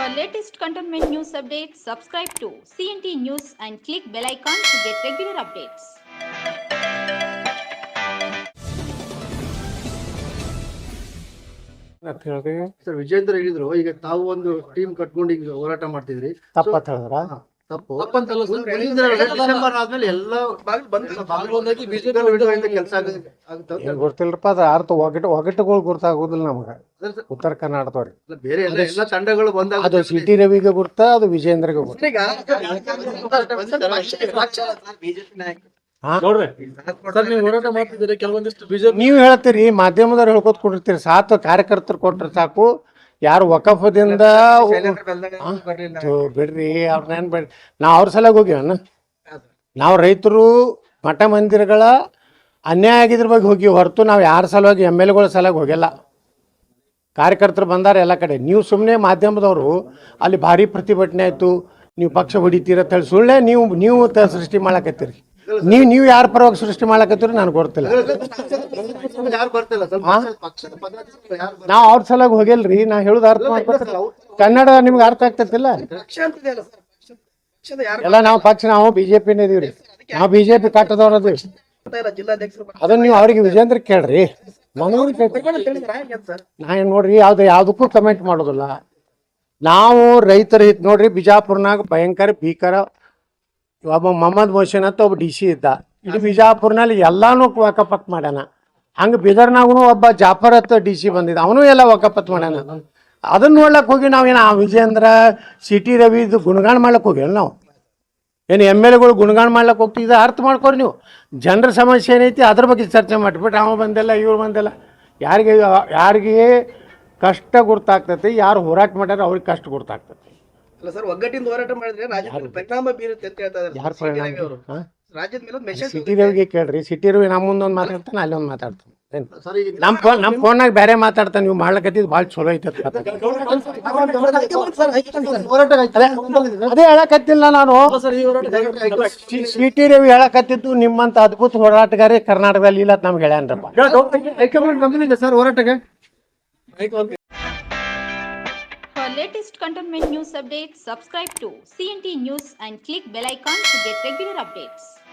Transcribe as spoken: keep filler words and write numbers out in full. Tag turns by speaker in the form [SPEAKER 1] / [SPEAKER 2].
[SPEAKER 1] For latest cantonment news updates, subscribe to C N T News and click bell icon to get regular updates.
[SPEAKER 2] Sir Vijendra ಹೇಳಿದ್ರು ಈಗ ತಾವು ಒಂದು team ಕಟ್ಕೊಂಡು ಈಗ ಹೋರಾಟ ಮಾಡ್ತಿದ್ರಿ
[SPEAKER 3] ತಪ್ಪಂತ ಹೇಳಿದ್ರ
[SPEAKER 2] ತಪ್ಪು ತಪ್ಪಂತಲ್ಲ ಡಿಸೆಂಬರ್ ಆದ್ಮೇಲೆ ಎಲ್ಲ ಕೆಲಸ ಆಗುತ್ತೆ
[SPEAKER 3] ಗೊತ್ತಿಲ್ಲಪ್ಪ ಅದ ಅರ್ಥ ಒಗಟು ಒಗಟುಗಳು ಗೊತ್ತಾಗೋದಿಲ್ಲ ನಮಗ ಉತ್ತರ ಕರ್ನಾಟಕದವ್ರಿ
[SPEAKER 2] ಬೇರೆ ಎಲ್ಲ ತಂಡಗಳು ಬಂದಾಗ
[SPEAKER 3] ಅದು ಸಿಟಿ ರವಿಗೆ ಗುರ್ತ ಅದು ವಿಜೇಂದ್ರಗೆ ಗುರ್ತ ನೀವು ಹೇಳ್ತೀರಿ ಮಾಧ್ಯಮದವ್ರು ಹೇಳ್ಕೊತ್ ಕೊಟ್ಟಿರ್ತೀರಿ ಸಾತು ಕಾರ್ಯಕರ್ತರು ಕೊಟ್ರೆ ಸಾಕು ಯಾರು ವಕಫದಿಂದ ಬಿಡ್ರಿ ಅವ್ರನ್ನೇನ್ ಬಿಡ್ರಿ ನಾವ್ ಅವ್ರ ಸಲಾಗ ಹೋಗಿವನ್ನ ನಾವು ರೈತರು ಮಠ ಮಂದಿರಗಳ ಅನ್ಯಾಯ ಆಗಿದ್ರ ಬಗ್ಗೆ ಹೋಗಿ ಹೊರತು ನಾವು ಯಾರ ಸಲುವಾಗಿ ಎಮ್ ಎಲ್ ಎಗಳ ಸಲಾಗ ಹೋಗಿಲ್ಲ. ಕಾರ್ಯಕರ್ತರು ಬಂದಾರ ಎಲ್ಲ ಕಡೆ. ನೀವು ಸುಮ್ಮನೆ ಮಾಧ್ಯಮದವರು ಅಲ್ಲಿ ಭಾರಿ ಪ್ರತಿಭಟನೆ ಆಯ್ತು, ನೀವು ಪಕ್ಷ ಹೊಡಿತೀರ ಅಂತ ಹೇಳಿ ಸುಳ್ಳೆ ನೀವು ನೀವು ಸೃಷ್ಟಿ ಮಾಡಕತ್ತೀರಿ. ನೀವು ನೀವು ಯಾರ ಪರವಾಗಿ ಸೃಷ್ಟಿ ಮಾಡಕತ್ತೀರಿ ನನಗೆ ಗೊತ್ತಿಲ್ಲ. ನಾವು ಅವ್ರ ಸಲಾಗ ಹೋಗಿಲ್ರಿ. ನಾ ಹೇಳುದು ಅರ್ಥ ಮಾಡ್ಕೊತಿಲ್ಲ. ಕನ್ನಡ ನಿಮ್ಗೆ ಅರ್ಥ ಆಗ್ತೈತಿಲ್ಲ. ಎಲ್ಲ ನಾವು ಪಕ್ಷ ನಾವು ಬಿಜೆಪಿನೇ ಇದೀವ್ರಿ. ನಾವು ಬಿಜೆಪಿ ಕಟ್ಟದವ್ರ ಅದೀವಿ. ಅದನ್ನ ನೀವು ಅವ್ರಿಗೆ ವಿಜೇಂದ್ರ ಕೇಳ್ರಿ. ನನಗೂ ನಾ ಏನ್ ನೋಡ್ರಿ ಯಾವ್ದು ಯಾವ್ದಕ್ಕೂ ಕಮೆಂಟ್ ಮಾಡೋದಿಲ್ಲ. ನಾವು ರೈತರ ಹಿತ್ ನೋಡ್ರಿ, ಬಿಜಾಪುರ್ನಾಗ ಭಯಂಕರ ಭೀಕರ ಒಬ್ಬ ಮೊಹಮ್ಮದ್ ಮೊಹಸಿನ್ ಅಂತ ಒಬ್ಬ ಡಿ ಸಿ ಇದ್ದ. ಇಡೀ ಬಿಜಾಪುರ್ನಲ್ಲಿ ಎಲ್ಲಾನು ವಕಫತ್ ಮಾಡ್ಯಾನ. ಹಂಗ ಬೀದರ್ನಾಗೂ ಒಬ್ಬ ಜಾಫರ್ ಅಂತ ಡಿ ಸಿ ಬಂದಿದ್ದ, ಅವನು ಎಲ್ಲ ವಕಫತ್ ಮಾಡ್ಯಾನ. ಅದನ್ನ ನೋಡ್ಲಕ್ ಹೋಗಿ ನಾವೇನು ವಿಜೇಂದ್ರ ಸಿಟಿ ರವಿ ಇದು ಗುಣಗಾಣ ಮಾಡ್ಲಕ್ ಹೋಗಿಲ್ಲ. ನಾವು ಏನು ಎಮ್ ಎಲ್ ಎಗಳು ಗುಣಗಾಣ ಮಾಡ್ಲಕ್ಕೆ ಹೋಗ್ತಿದ್ದ. ಅರ್ಥ ಮಾಡ್ಕೊರಿ ನೀವು. ಜನರ ಸಮಸ್ಯೆ ಏನೈತಿ ಅದ್ರ ಬಗ್ಗೆ ಚರ್ಚೆ ಮಾಡಿಬಿಟ್ಟು ಅವ ಬಂದಿಲ್ಲ ಇವ್ರು ಬಂದಿಲ್ಲ. ಯಾರಿಗೆ ಯಾರಿಗೆ ಕಷ್ಟ ಗುರ್ತಾಗ್ತೈತಿ, ಯಾರು ಹೋರಾಟ ಮಾಡ್ಯಾರ ಅವ್ರಿಗೆ ಕಷ್ಟ ಗುರ್ತಾಗ್ತೈತಿ.
[SPEAKER 4] ಅಲ್ಲ ಸರ್, ಒಗ್ಗಟ್ಟಿಂದ ಹೋರಾಟ ಮಾಡಿದ್ರೆ ರಾಜ್ಯದ ಪರಿಣಾಮ ಬೀರುತ್ತೆ ಅಂತ ಹೇಳ್ತಾ ಇದ್ದಾರೆ.
[SPEAKER 3] ಯಾರು ಪರಿಣಾಮ?
[SPEAKER 4] ರಾಜ್ಯದ ಮೇಲೆ ಮೆಸೇಜ್
[SPEAKER 3] ಸಿಟಿ ರವಿಗೆ ಕೇಳ್ರಿ. ಸಿಟಿ ರವಿ ನಮ್ಮ ಮುಂದೊಂದು ಮಾತಾಡ್ತಾನೆ, ಅಲ್ಲಿ ಒಂದು ಮಾತಾಡ್ತಾನೆ. ನಮ್ಮ ಫೋನ್ ನಮ್ಮ ಫೋನ್ನಾಗ ಬೇರೆ ಮಾತಾಡ್ತಾನೆ. ನೀವು ಮಾಡ್ಲಕತ್ತಿದ್ ಭಾಳ ಚಲೋ ಐತೆ. ಅದೇ ಹೇಳಕತ್ತಿಲ್ಲ ನಾನು. ಸಿಟಿ ರವಿ ಹೇಳಕತ್ತಿದ್ದು ನಿಮ್ಮಂತ ಅದ್ಭುತ ಹೋರಾಟಗಾರಿ ಕರ್ನಾಟಕದಲ್ಲಿ ಇಲ್ಲ ನಮ್ಗೆ ಹೇಳ್ಯಾನ್ರಪ್ಪ.
[SPEAKER 2] ಸರ್ ಹೋರಾಟಕ್ಕೆ
[SPEAKER 1] For latest cantonment news updates, subscribe to C N T News and click bell icon to get regular updates.